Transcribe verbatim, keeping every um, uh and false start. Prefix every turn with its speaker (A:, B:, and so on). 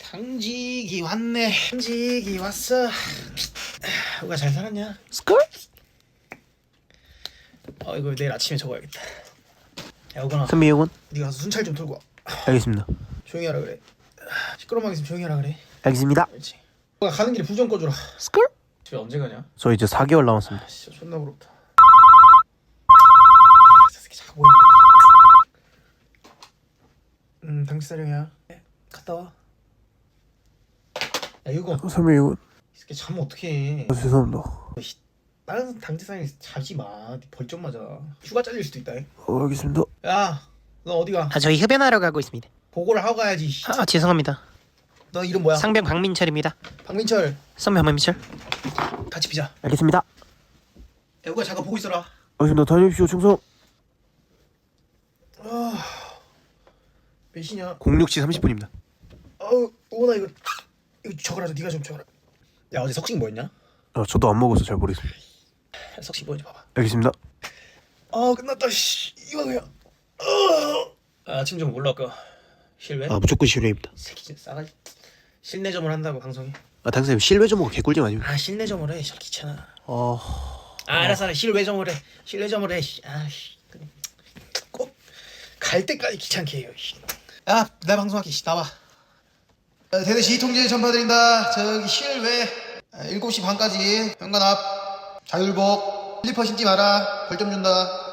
A: 당직이 왔네. 당직이 왔어. 우가 잘 살았냐?
B: 스컬?
A: 어 이거 내일 아침에 적어야겠다. 야 우건아,
B: 선배 요건?
A: 네가 가서 순찰 좀 털고 와.
B: 알겠습니다.
A: 조용히 하라 그래. 시끄러움하게 있으면 조용히 하라 그래.
B: 알겠습니다.
A: 그렇지. 우가 가는 길에 불 좀 꺼주라.
B: 스컬?
A: 집에 언제 가냐?
B: 저 이제 사 개월 남았습니다.
A: 아 진짜 존나 부럽다. 저 새끼 자고 있네. 음 당직사령이야. 갔다 와. 야 이거
B: 선배 요건?
A: 이 새끼 자면 어떡해.
B: 아, 죄송합니다.
A: 다른 당직사령이 자지 마. 네 벌점 맞아. 휴가 잘릴 수도 있다.
B: 어, 알겠습니다.
A: 야, 너 어디 가?
C: 아, 저희 흡연하러 가고 있습니다.
A: 보고를 하고 가야지.
C: 아, 죄송합니다.
A: 너 이름 뭐야?
C: 상병 박민철입니다.
A: 박민철.
C: 선배 박민철.
A: 같이 피자.
B: 알겠습니다.
A: 야, 우가 잠깐 보고 있어라.
B: 알겠습니다. 다녀오십시오. 충성.
A: 아, 몇 시냐?
B: 공육 시 삼십 분입니다.
A: 어우, 오나 이거 이거 적어라. 네가 좀 적어라. 야, 어제 석식 뭐였냐?
B: 아, 저도 안 먹어서 잘 모르겠습니다.
A: 야, 석식 뭐인지 봐봐.
B: 알겠습니다.
A: 아, 끝났다. 씨, 이거 뭐야? 어. 아, 아침 좀 올라올까? 실외?
B: 아, 무조건 실외입니다.
A: 새끼 진짜 싸가지. 실내점을 한다고 방송에?
B: 아, 당사님 실외 좀 먹고 개꿀잼 아닙니까?
A: 아, 실내점을 해. 씨, 귀찮아.
B: 어...
A: 아, 알았어, 알았어. 실외점을 해. 실내점을 해. 씨. 아, 씨. 꼭 갈 때까지 귀찮게 해요. 씨. 야, 나 방송할게. 씨, 나와. 어, 대대시 통제 전파드린다. 저기 실외 아, 일곱 시 반까지 현관 앞 자율복 슬리퍼 신지 마라. 벌점 준다.